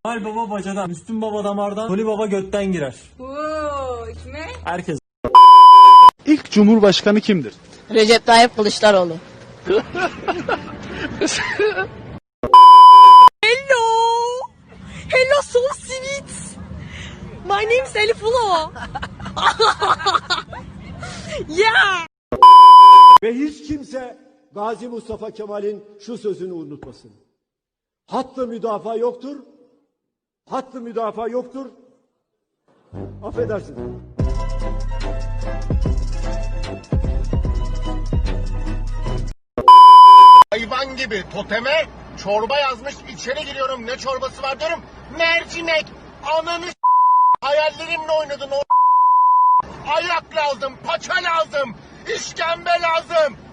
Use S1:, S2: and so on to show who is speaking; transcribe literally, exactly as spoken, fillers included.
S1: Noel Baba bacadan, Müslüm Baba damardan, Nuri Baba götten girer.
S2: Oo, kime?
S1: Herkes.
S3: İlk Cumhurbaşkanı kimdir?
S4: Recep Tayyip Kılıçdaroğlu.
S2: Hello! Hello, so sweet! My name is Elifula. Yeah!
S5: Ve hiç kimse Gazi Mustafa Kemal'in şu sözünü unutmasın. Hattı müdafaa yoktur. Hattı müdafaa yoktur. Affedersin.
S6: Hayvan gibi toteme çorba yazmış, içeri giriyorum, ne çorbası var diyorum, mercimek. Ananı s- hayallerimle oynadın o. Ayak lazım, paça lazım, işkembe lazım.